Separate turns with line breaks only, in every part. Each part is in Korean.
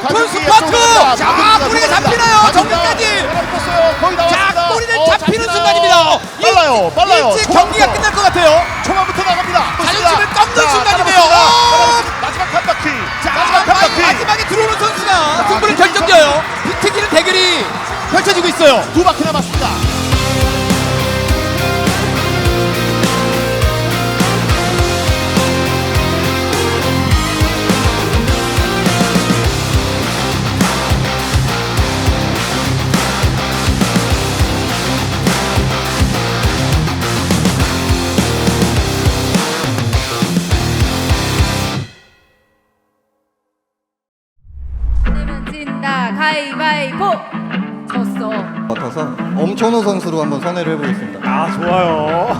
투 스파트. 자, 꼬리가 잡히나요? 정리까지. 자, 꼬리는 잡히는 순간입니다.
빨라요.
일찍 경기가 끝날 것 같아요.
초반부터 나갑니다.
자존심을 꺾는 순간이네요.
마지막 한 바퀴.
자, 마지막에 들어오는 선수가 승부를 결정져요. 비트기는 대결이 펼쳐지고 있어요.
두 바퀴 남았습니다.
내면 진다 가위바위보. 졌어.
같아서 엄천호 선수로 한번 선회를 해보겠습니다.
아, 좋아요.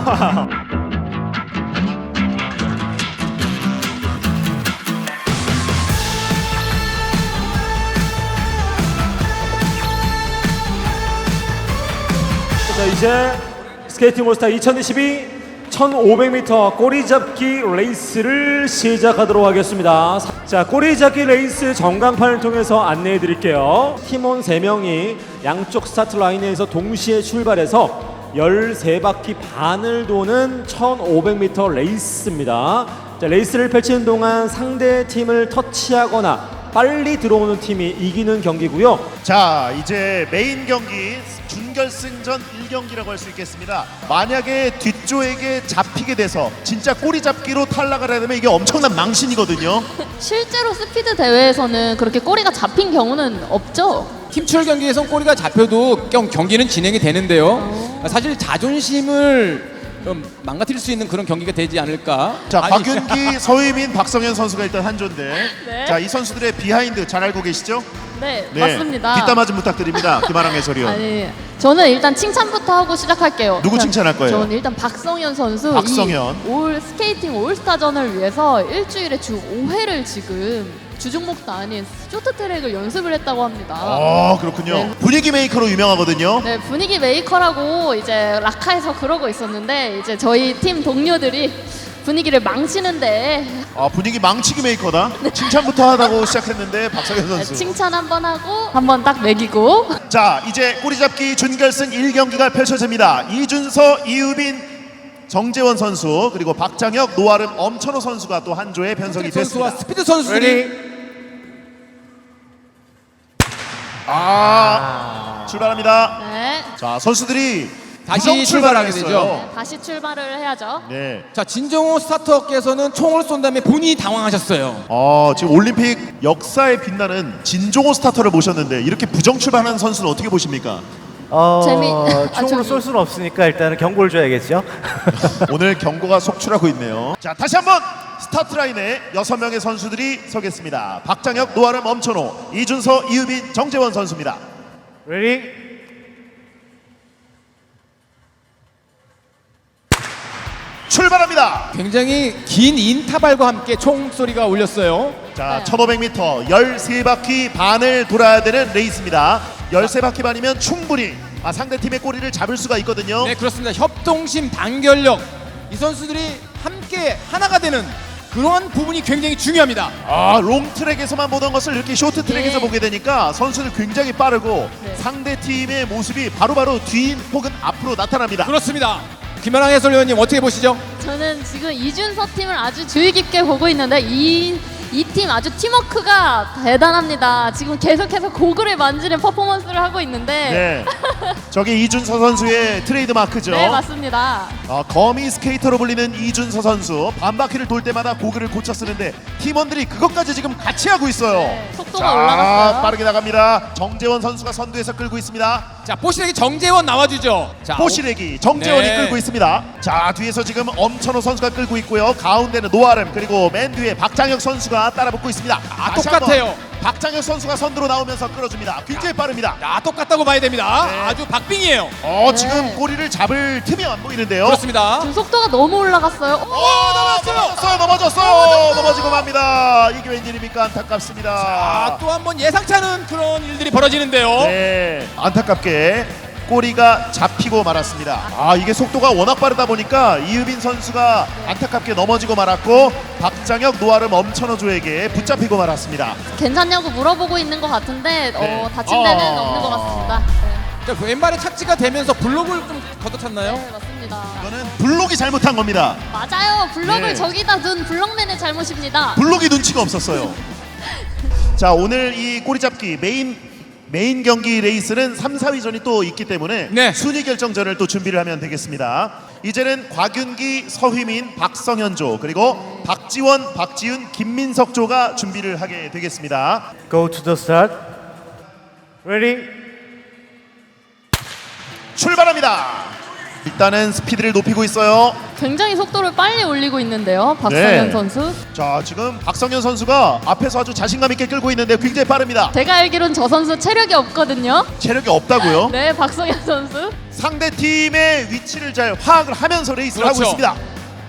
자, 이제 스케이팅 올스타 2022 1500m 꼬리잡기 레이스를 시작하도록 하겠습니다. 자, 꼬리잡기 레이스 전광판을 통해서 안내해 드릴게요. 팀원 3명이 양쪽 스타트 라인에서 동시에 출발해서 13바퀴 반을 도는 1500m 레이스입니다. 자, 레이스를 펼치는 동안 상대 팀을 터치하거나 빨리 들어오는 팀이 이기는 경기고요.
자, 이제 메인 경기 준결승전 1경기라고 할 수 있겠습니다. 만약에 뒤쪽에게 잡히게 돼서 진짜 꼬리 잡기로 탈락을 하게 되면 이게 엄청난 망신이거든요.
실제로 스피드 대회에서는 그렇게 꼬리가 잡힌 경우는 없죠.
팀출 경기에선 꼬리가 잡혀도 경기는 진행이 되는데요. 사실 자존심을 좀 망가뜨릴 수 있는 그런 경기가 되지 않을까.
자,
아니,
곽윤기, 서희민, 박성현 선수가 일단 한조인데
네.
자, 이 선수들의 비하인드 잘 알고 계시죠?
네, 맞습니다.
뒷담화 좀 부탁드립니다. 김아랑 해설위원.
아니, 저는 일단 칭찬부터 하고 시작할게요.
누구 칭찬할 거예요?
저는 일단 박성현 선수.
박성현.
올 스케이팅 올스타전을 위해서 일주일에 주 5회를 지금 주종목도 아닌 쇼트트랙을 연습을 했다고 합니다.
그렇군요.
네.
분위기 메이커로 유명하거든요.
네, 분위기 메이커라고 이제 라카에서 그러고 있었는데 이제 저희 팀 동료들이 분위기를 망치는데
분위기 망치기 메이커다. 칭찬부터 하다고 시작했는데 박성현 선수.
칭찬 한번 하고 한번 딱 매기고.
자, 이제 꼬리잡기 준결승 1경기가 펼쳐집니다. 이준서, 이유빈, 정재원 선수 그리고 박장혁, 노아름, 엄천호 선수가 또 한 조에 편성이
선수와
됐습니다.
스피드 선수들이
출발합니다.
네,
자, 선수들이
다시
부정
출발하게
했어요.
되죠.
다시 출발을 해야죠.
네.
자, 진정호 스타터께서는 총을 쏜 다음에 본인이 당황하셨어요.
지금 올림픽 역사에 빛나는 진종호 스타터를 모셨는데 이렇게 부정 출발하는 선수는 어떻게 보십니까?
총으로 쏠 수는 없으니까 일단은 경고를 줘야겠죠.
오늘 경고가 속출하고 있네요. 자, 다시 한번 스타트 라인에 6명의 선수들이 서겠습니다. 박장혁, 노아름, 엄천호, 이준서, 이유빈, 정재원 선수입니다.
레디.
출발합니다.
굉장히 긴 인터벌과 함께 총소리가 울렸어요.
자, 1500m 13바퀴 반을 돌아야 되는 레이스입니다. 13바퀴 반이면 충분히 상대팀의 꼬리를 잡을 수가 있거든요.
네, 그렇습니다. 협동심, 단결력, 이 선수들이 함께 하나가 되는 그러한 부분이 굉장히 중요합니다.
롱트랙에서만 보던 것을 이렇게 쇼트트랙에서
네.
보게 되니까 선수들 굉장히 빠르고
네.
상대팀의 모습이 바로바로 뒤 혹은 앞으로 나타납니다.
그렇습니다. 김연아 해설위원님 어떻게 보시죠?
저는 지금 이준서 팀을 아주 주의 깊게 보고 있는데 이 팀 아주 팀워크가 대단합니다. 지금 계속해서 고글을 만지는 퍼포먼스를 하고 있는데.
네. 저게 이준서 선수의 트레이드 마크죠.
네, 맞습니다.
거미 스케이터로 불리는 이준서 선수 반바퀴를 돌 때마다 고글을 고쳐 쓰는데 팀원들이 그것까지 지금 같이 하고 있어요.
네, 속도가 올라갔어요.
빠르게 나갑니다. 정재원 선수가 선두에서 끌고 있습니다.
자, 뽀시렉이 정재원 나와주죠. 자,
뽀시래기 정재원이
네.
끌고 있습니다. 자, 뒤에서 지금 엄천호 선수가 끌고 있고요. 가운데는 노아름 그리고 맨 뒤에 박장혁 선수가 따라붙고 있습니다. 다시
똑같아요.
한번 박장혁 선수가 선두로 나오면서 끌어줍니다. 굉장히 빠릅니다.
야, 똑같다고 봐야 됩니다.
네.
아주 박빙이에요.
지금 꼬리를 잡을 틈이 안 보이는데요.
그렇습니다.
지금 속도가 너무 올라갔어요.
넘어졌어요. 넘어지고 맙니다. 이게 웬일입니까? 안타깝습니다.
또 한 번 예상치 않은 그런 일들이 벌어지는데요.
네, 안타깝게 꼬리가 잡히고 말았습니다. 아, 이게 속도가 워낙 빠르다 보니까 이유빈 선수가 안타깝게 넘어지고 말았고 박장혁, 노아름, 엄천호조에게 붙잡히고 말았습니다.
괜찮냐고 물어보고 있는 것 같은데
네.
다친 데는 없는 것 같습니다.
자, 왼발에 착지가 되면서 블록을 좀 걷어찼나요?
네, 맞습니다.
이거는 블록이 잘못한 겁니다.
맞아요. 블럭을
네.
저기다 둔 블럭맨의 잘못입니다.
블록이 눈치가 없었어요. 자, 오늘 이 꼬리잡기 메인 경기 레이스는 3, 4위전이 또 있기 때문에
네.
순위 결정전을 또 준비를 하면 되겠습니다. 이제는 곽윤기, 서휘민, 박성현조 그리고 박지원, 박지윤, 김민석조가 준비를 하게 되겠습니다.
Go to the start. Ready?
출발합니다. 일단은 스피드를 높이고 있어요.
굉장히 속도를 빨리 올리고 있는데요. 박성현
네.
선수.
자, 지금 박성현 선수가 앞에서 아주 자신감 있게 끌고 있는데 굉장히 빠릅니다.
제가 알기로는 저 선수 체력이 없거든요.
체력이 없다고요?
네, 박성현 선수.
상대 팀의 위치를 잘 파악을 하면서 레이스를 하고
그렇죠.
있습니다.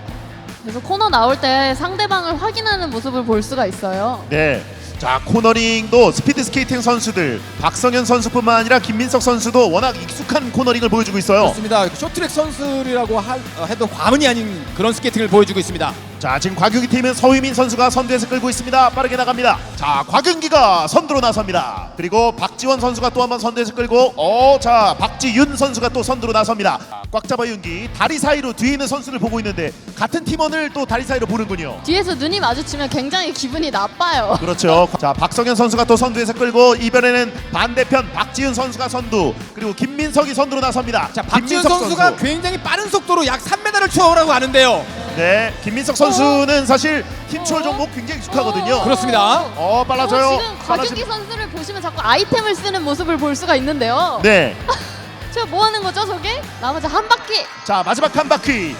그래서 코너 나올 때 상대방을 확인하는 모습을 볼 수가 있어요.
네. 자, 코너링도 스피드 스케이팅 선수들 박성현 선수뿐만 아니라 김민석 선수도 워낙 익숙한 코너링을 보여주고 있어요.
그렇습니다. 쇼트랙 선수라고 해도 과언이 아닌 그런 스케이팅을 보여주고 있습니다.
자, 지금 곽윤기 팀은 서휘민 선수가 선두에서 끌고 있습니다. 빠르게 나갑니다. 자, 곽윤기가 선두로 나섭니다. 그리고 박지원 선수가 또 한번 선두에서 끌고 자, 박지윤 선수가 또 선두로 나섭니다. 꽉 잡아 윤기 다리 사이로 뒤에 있는 선수를 보고 있는데 같은 팀원을 또 다리 사이로 보는군요.
뒤에서 눈이 마주치면 굉장히 기분이 나빠요.
그렇죠. 자, 박성현 선수가 또 선두에서 끌고 이번에는 반대편 박지윤 선수가 선두 그리고 김민석이 선두로 나섭니다.
자, 박지훈
김민석
선수가
선수.
굉장히 빠른 속도로 약 3m를 추월하고 가는데요.
네, 김민석 선수는 사실 팀 추월 종목 굉장히 익숙하거든요.
그렇습니다.
빨라져요.
지금 곽윤기 선수를 보시면 자꾸 아이템을 쓰는 모습을 볼 수가 있는데요.
네.
저 뭐 하는 거죠, 저게? 나머지 한 바퀴.
자, 마지막 한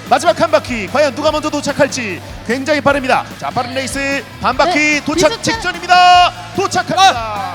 바퀴 과연 누가 먼저 도착할지 굉장히 빠릅니다. 자, 빠른 레이스 반 바퀴
네,
도착
비슷한-
직전입니다. 도착합니다.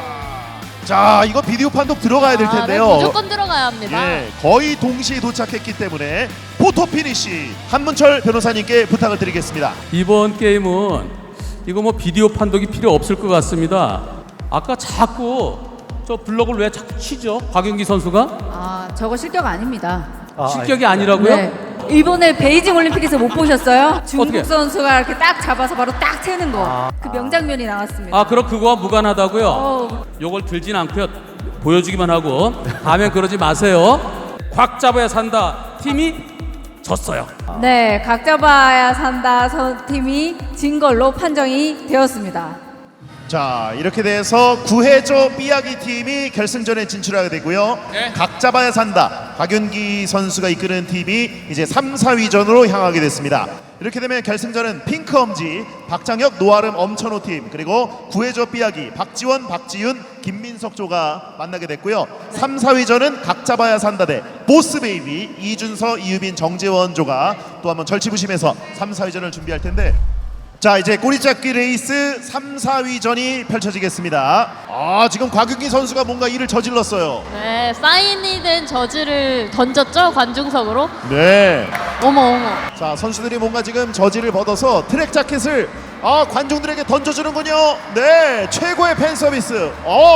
자, 이거 비디오 판독 들어가야 될 텐데요.
네, 무조건 들어가야 합니다.
예, 거의 동시에 도착했기 때문에 포토 피니시 한문철 변호사님께 부탁을 드리겠습니다.
이번 게임은 이거 뭐 비디오 판독이 필요 없을 것 같습니다. 아까 자꾸 저 블럭을 왜 자꾸 치죠? 곽윤기 선수가?
아, 저거 실격 아닙니다.
실격이 아니라고요?
네. 이번에 베이징 올림픽에서 못 보셨어요? 중국
어떻게?
선수가 이렇게 딱 잡아서 바로 딱 채는 거. 그 명장면이 나왔습니다.
그럼 그거와 무관하다고요?
어우.
요걸 들진 않고요. 보여주기만 하고 다음엔 그러지 마세요. 곽 잡아야 산다. 팀이 졌어요.
네, 각 잡아야 산다 팀이 진 걸로 판정이 되었습니다.
자, 이렇게 돼서 구해조 삐약이 팀이 결승전에 진출하게 되고요.
네.
각 잡아야 산다. 박윤기 선수가 이끄는 팀이 이제 3, 4위전으로 향하게 됐습니다. 이렇게 되면 결승전은 핑크엄지, 박장혁, 노아름, 엄천호 팀 그리고 구해조 삐약이, 박지원, 박지윤, 김민석조가 만나게 됐고요. 3, 4위전은 각 잡아야 산다 대 보스베이비, 이준서, 이유빈, 정재원조가 또 한번 절치부심해서 3, 4위전을 준비할 텐데 자, 이제 꼬리잡기 레이스 3, 4위전이 펼쳐지겠습니다. 지금 곽윤기 선수가 뭔가 일을 저질렀어요.
네, 사인이 된 저지를 던졌죠, 관중석으로.
네.
어머.
자, 선수들이 뭔가 지금 저지를 벗어서 트랙 자켓을 관중들에게 던져주는군요. 네, 최고의 팬 서비스.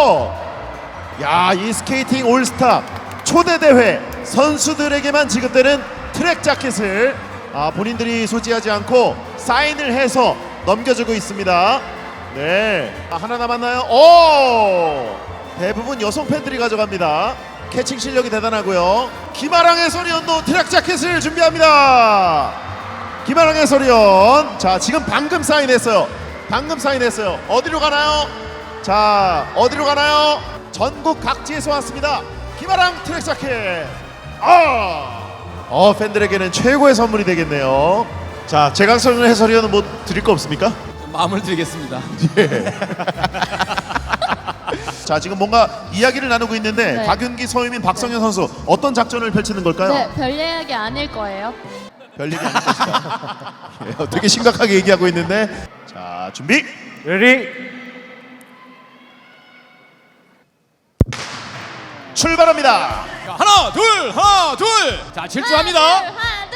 야, 이 스케이팅 올스타 초대 대회 선수들에게만 지급되는 트랙 자켓을 본인들이 소지하지 않고 사인을 해서 넘겨주고 있습니다. 네, 하나 남았나요? 대부분 여성 팬들이 가져갑니다. 캐칭 실력이 대단하고요. 김아랑 해설위원도 트랙 자켓을 준비합니다. 김아랑 해설위원, 자, 지금 방금 사인했어요. 어디로 가나요? 자, 어디로 가나요? 전국 각지에서 왔습니다. 김아랑 트랙 자켓. 팬들에게는 최고의 선물이 되겠네요. 자, 재강선 해설위원은 뭐 드릴 거 없습니까?
마음을 드리겠습니다.
자, 지금 뭔가 이야기를 나누고 있는데
네.
곽윤기, 서유민, 박성현 선수 어떤 작전을 펼치는 걸까요?
네, 별 이야기 아닐 거예요.
별일이 아닐 것이다. 되게 심각하게 얘기하고 있는데 자, 준비
Ready?
출발합니다.
자, 하나, 둘. 자, 질주합니다.
하나,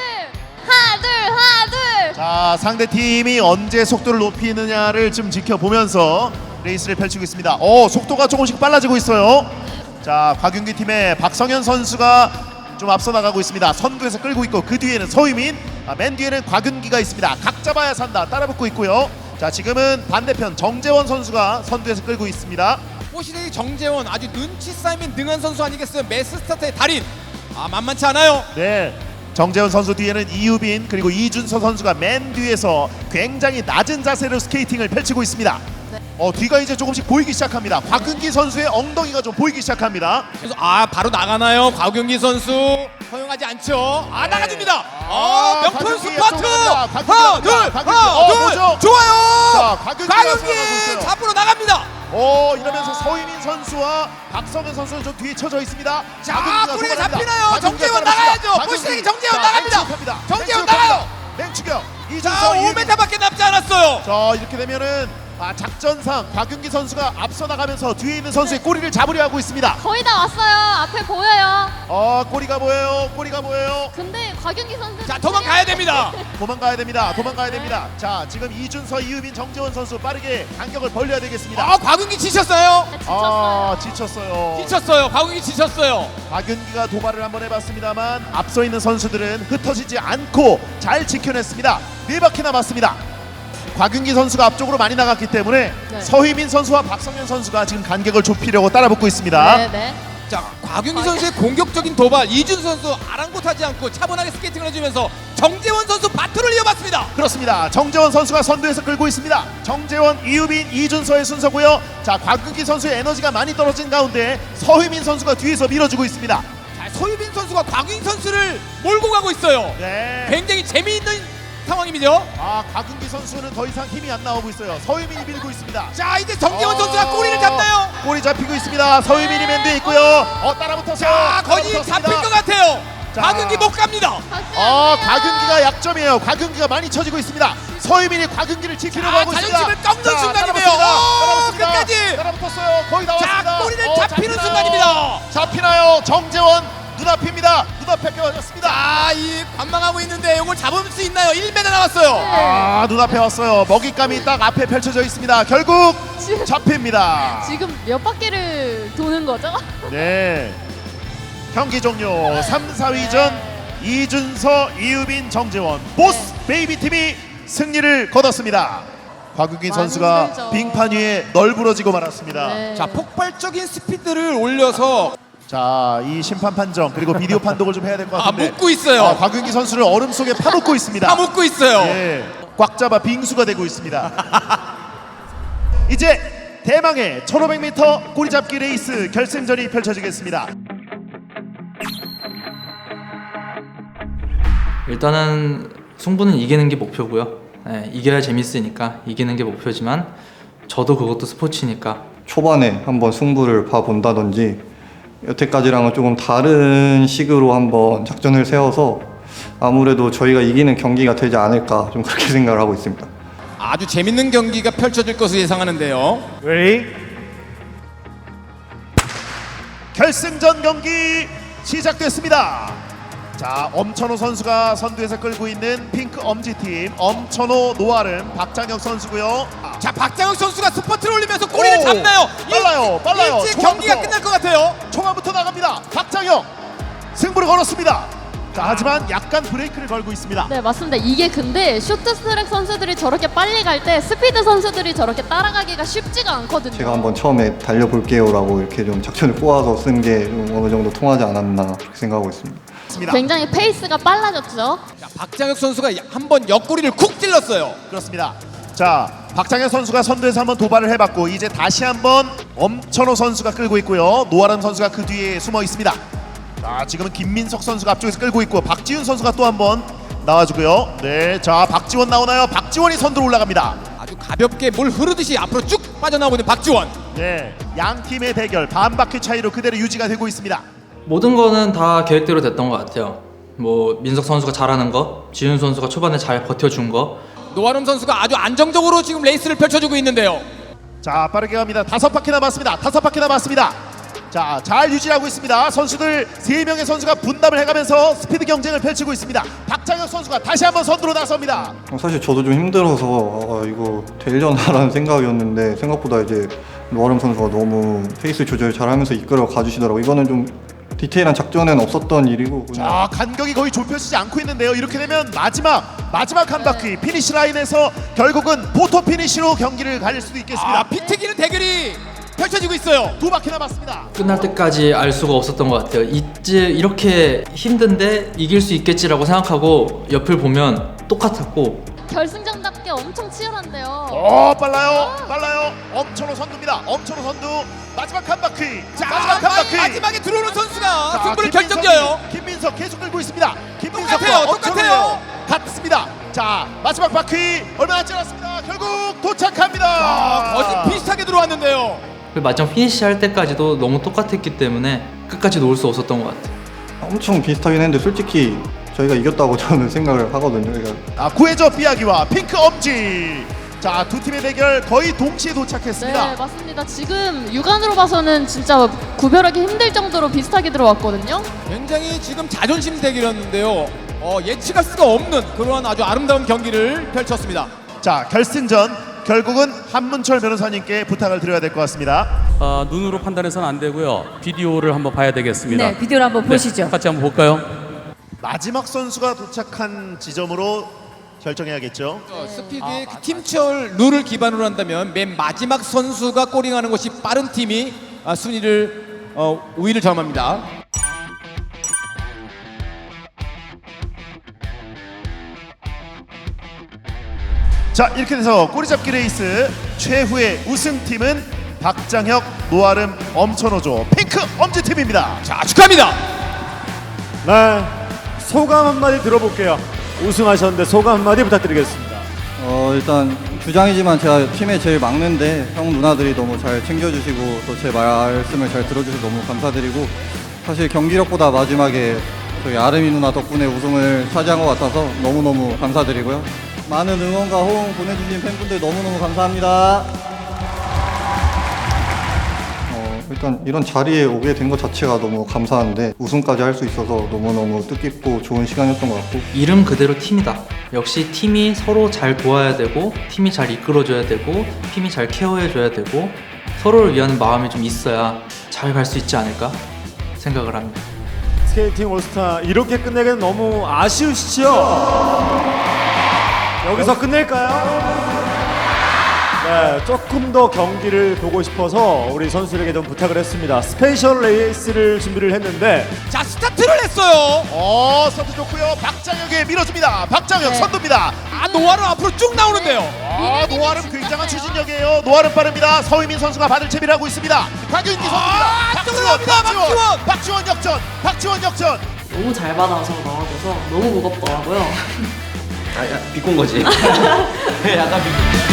둘.
자, 상대 팀이 언제 속도를 높이느냐를 좀 지켜보면서 레이스를 펼치고 있습니다. 속도가 조금씩 빨라지고 있어요. 자, 곽윤기 팀의 박성현 선수가 좀 앞서 나가고 있습니다. 선두에서 끌고 있고 그 뒤에는 서유민, 맨 뒤에는 곽윤기가 있습니다. 각 잡아야 산다 따라붙고 있고요. 자, 지금은 반대편 정재원 선수가 선두에서 끌고 있습니다.
포시데이 정재원 아주 눈치 싸움이 능한 선수 아니겠어요? 매스 스타트의 달인. 만만치 않아요.
네, 정재원 선수 뒤에는 이유빈 그리고 이준서 선수가 맨 뒤에서 굉장히 낮은 자세로 스케이팅을 펼치고 있습니다. 뒤가 이제 조금씩 보이기 시작합니다. 곽윤기 선수의 엉덩이가 좀 보이기 시작합니다.
그래서 바로 나가나요? 곽윤기 선수 허용하지 않죠.
네.
나가줍니다. 명품
곽윤기
스파트.
곽윤기
하나, 둘, 하나, 둘.
뭐죠?
좋아요.
자, 곽윤기가 들어가고 있어요.
잡으러 나갑니다.
이러면서 서유민 선수와 박성현 선수는 좀 뒤에 쳐져 있습니다.
자,
곽윤기가
꼬리가
도발합니다.
잡히나요?
곽윤기가
정재원
따라붙습니다.
나가야죠.
곽윤기.
포시데이 정재원
자,
나갑니다.
맹추격합니다.
정재원
맹추격합니다.
나가요.
맹추격.
자,
이준서, 이유빈.
5m밖에 남지 않았어요.
자, 이렇게 되면은 작전상 곽윤기 선수가 앞서 나가면서 뒤에 있는 선수의 꼬리를 잡으려 하고 있습니다.
거의 다 왔어요. 앞에 보여요.
꼬리가 보여요. 꼬리가 보여요.
근데 곽윤기 선수
자, 도망가야 됩니다.
도망가야 됩니다. 도망가야 됩니다. 자, 지금 이준서, 이유빈, 정재원 선수 빠르게 간격을 벌려야 되겠습니다.
곽윤기 지쳤어요.
지쳤어요.
지쳤어요.
지쳤어요. 곽윤기 지쳤어요.
곽윤기가 도발을 한번 해봤습니다만 앞서 있는 선수들은 흩어지지 않고 잘 지켜냈습니다. 4바퀴 남았습니다. 곽윤기 선수가 앞쪽으로 많이 나갔기 때문에
네.
서희민 선수와 박성현 선수가 지금 간격을 좁히려고 따라붙고 있습니다.
네네.
자, 곽윤기 선수의 공격적인 도발, 이준수 선수 아랑곳하지 않고 차분하게 스케이팅을 해주면서 정재원 선수 바트를 이어봤습니다.
그렇습니다. 정재원 선수가 선두에서 끌고 있습니다. 정재원, 이유빈, 이준서의 순서고요. 자, 곽윤기 선수의 에너지가 많이 떨어진 가운데 서희민 선수가 뒤에서 밀어주고 있습니다.
자, 서유빈 선수가 곽윤기 선수를 몰고 가고 있어요.
네.
굉장히 재미있는 상황입니다.
곽윤기 선수는 더 이상 힘이 안 나오고 있어요. 서희민이 밀고 있습니다.
자, 이제 정재원 선수가 꼬리를 잡나요?
꼬리 잡히고 있습니다. 서희민이 맨 뒤에 있고요. 따라붙었어요.
자, 거의
따라붙었습니다.
잡힐 것 같아요.
자.
곽윤기 못 갑니다.
곽윤기가 약점이에요. 곽윤기가 많이 쳐지고 있습니다. 서희민이 곽윤기를 지키려고 하고 있습니다.
자존심을 꺾는
자,
순간이네요.
따라붙습니다.
끝까지.
따라붙었어요. 거의 다 왔습니다.
자, 꼬리를 잡히는 순간입니다.
잡히나요? 정재원 눈앞입니다. 눈앞에 껴졌습니다.
자, 이 관망하고 있는데 이걸 잡을 수 있나요? 1m 남았어요.
눈앞에 왔어요. 먹잇감이 딱 앞에 펼쳐져 있습니다. 결국 잡힙니다.
지금 몇 바퀴를 도는 거죠?
네. 경기 종료. 3, 4위전 이준서, 이유빈, 정재원 보스 베이비 팀이 승리를 거뒀습니다. 곽윤기
많이
선수가
힘들죠.
빙판 위에 널브러지고 말았습니다.
네.
자, 폭발적인 스피드를 올려서
자, 이 심판 판정 그리고 비디오 판독을 좀 해야 될 것 같은데.
묶고 있어요.
곽윤기 선수를 얼음 속에 파놓고 있습니다.
다 묶고 있어요.
예, 꽉 잡아 빙수가 되고 있습니다. 이제 대망의 1500m 꼬리잡기 레이스 결승전이 펼쳐지겠습니다.
일단은 승부는 이기는 게 목표고요. 네, 이겨야 재밌으니까 이기는 게 목표지만 저도 그것도 스포츠니까
초반에 한번 승부를 봐본다든지 여태까지랑은 조금 다른 식으로 한번 작전을 세워서 아무래도 저희가 이기는 경기가 되지 않을까 좀 그렇게 생각을 하고 있습니다.
아주 재밌는 경기가 펼쳐질 것으로 예상하는데요.
Ready?
결승전 경기 시작됐습니다. 자, 엄천호 선수가 선두에서 끌고 있는 핑크 엄지팀 엄천호 노아름 박장혁 선수고요.
자, 박장혁 선수가 스퍼트를 올리면서 꼬리를
오,
잡나요?
빨라요.
일찍 경기가
초반부터.
끝날 것 같아요.
초반부터 나갑니다. 박장혁 승부를 걸었습니다. 자, 하지만 약간 브레이크를 걸고 있습니다.
네, 맞습니다. 이게 근데 쇼트트랙 선수들이 저렇게 빨리 갈 때 스피드 선수들이 저렇게 따라가기가 쉽지가 않거든요.
제가 한번 처음에 달려볼게요라고 이렇게 좀 작전을 꼬아서 쓴 게 좀 어느 정도 통하지 않았나 그렇게 생각하고 있습니다.
굉장히 페이스가 빨라졌죠.
자, 박장혁 선수가 한번 옆구리를 쿡 찔렀어요.
그렇습니다. 자, 박장현 선수가 선두에서 한번 도발을 해봤고 이제 다시 한번 엄천호 선수가 끌고 있고요. 노아람 선수가 그 뒤에 숨어 있습니다. 자, 지금은 김민석 선수가 앞쪽에서 끌고 있고 박지훈 선수가 또 한번 나와주고요. 네, 자, 박지원 나오나요? 박지원이 선두로 올라갑니다.
아주 가볍게 물 흐르듯이 앞으로 쭉 빠져나오고 있는 박지원.
네, 양 팀의 대결 반 바퀴 차이로 그대로 유지가 되고 있습니다.
모든 거는 다 계획대로 됐던 것 같아요. 뭐 민석 선수가 잘하는 거, 지훈 선수가 초반에 잘 버텨준 거,
노아름 선수가 아주 안정적으로 지금 레이스를 펼쳐주고 있는데요.
자, 빠르게 갑니다. 5바퀴 남았습니다. 자, 잘 유지하고 있습니다. 선수들 3명의 선수가 분담을 해가면서 스피드 경쟁을 펼치고 있습니다. 박장혁 선수가 다시 한번 선두로 나섭니다.
사실 저도 좀 힘들어서 이거 되려나라는 생각이었는데 생각보다 이제 노아름 선수가 너무 페이스 조절 잘하면서 이끌어 가주시더라고요. 이거는 좀 디테일한 작전에는 없었던 일이고 그냥
자, 간격이 거의 좁혀지지 않고 있는데요. 이렇게 되면 마지막 한 바퀴 피니시 라인에서 결국은 포토 피니시로 경기를 가릴 수도 있겠습니다.
피튀기는 대결이 펼쳐지고 있어요.
2바퀴 남았습니다.
끝날 때까지 알 수가 없었던 것 같아요. 이제 이렇게 힘든데 이길 수 있겠지라고 생각하고 옆을 보면 똑같았고
결승전답게 엄청 치열한데요.
빨라요. 엄천호 선두입니다. 엄천호 선두 마지막 한 바퀴.
자,
마지막 한 바퀴.
마지막에 들어오는 선수가
자,
승부를
김민석,
결정져요.
김민석 계속 끌고 있습니다.
똑같아요.
엄천호예요. 같습니다. 자, 마지막 바퀴 얼마 남지 않았습니다. 결국 도착합니다.
거의 비슷하게 들어왔는데요.
그리고 마지막 피니시 할 때까지도 너무 똑같았기 때문에 끝까지 놓을 수 없었던 것 같아요.
엄청 비슷하긴 했는데 솔직히 저희가 이겼다고 저는 생각을 하거든요. 그러니까
구해줘 삐아기와 핑크 엄지. 자, 두 팀의 대결 거의 동시에 도착했습니다.
네, 맞습니다. 지금 육안으로 봐서는 진짜 구별하기 힘들 정도로 비슷하게 들어왔거든요.
굉장히 지금 자존심 대결이었는데요. 예측할 수가 없는 그러한 아주 아름다운 경기를 펼쳤습니다.
자, 결승전 결국은 한문철 변호사님께 부탁을 드려야 될 것 같습니다.
눈으로 판단해서는 안 되고요. 비디오를 한번 봐야 되겠습니다.
네, 비디오를 한번 보시죠.
같이 한번 볼까요?
마지막 선수가 도착한 지점으로 결정해야겠죠.
스피드의 그 팀철 룰을 기반으로 한다면 맨 마지막 선수가 꼬링하는 것이 빠른 팀이 순위를 우위를 점합니다.
자, 이렇게 돼서 꼬리잡기 레이스 최후의 우승팀은 박장혁, 노아름, 엄천호조 핑크 엄지팀입니다.
자, 축하합니다.
네, 소감 한마디 들어볼게요. 우승하셨는데 소감 한마디 부탁드리겠습니다.
일단 주장이지만 제가 팀에 제일 막는데 형 누나들이 너무 잘 챙겨주시고 또 제 말씀을 잘 들어주셔서 너무 감사드리고 사실 경기력보다 마지막에 저희 아름이 누나 덕분에 우승을 차지한 것 같아서 너무너무 감사드리고요. 많은 응원과 호응 보내주신 팬분들 너무너무 감사합니다. 일단 이런 자리에 오게 된 것 자체가 너무 감사한데 우승까지 할 수 있어서 너무너무 뜻깊고 좋은 시간이었던 것 같고
이름 그대로 팀이다. 역시 팀이 서로 잘 도와야 되고 팀이 잘 이끌어줘야 되고 팀이 잘 케어해줘야 되고 서로를 위하는 마음이 좀 있어야 잘 갈 수 있지 않을까 생각을 합니다.
스케이팅 올스타 이렇게 끝내기는 너무 아쉬우시죠? 여기서 끝낼까요? 네, 조금 더 경기를 보고 싶어서 우리 선수들에게 좀 부탁을 했습니다. 스페셜 레이스를 준비를 했는데
자, 스타트를 했어요.
선두 좋고요. 박장혁이 밀어줍니다. 박장혁
네.
선두입니다.
노아름 앞으로 쭉 나오는데요.
노아름 굉장한 추진력이에요. 노아름 빠릅니다. 서희민 선수가 받을 채비를 하고 있습니다. 박윤기 선수입니다. 박지원 역전.
너무 잘 받아서 나와줘서 너무 무겁더라고요.
비꼰 거지. 약간 비꼰.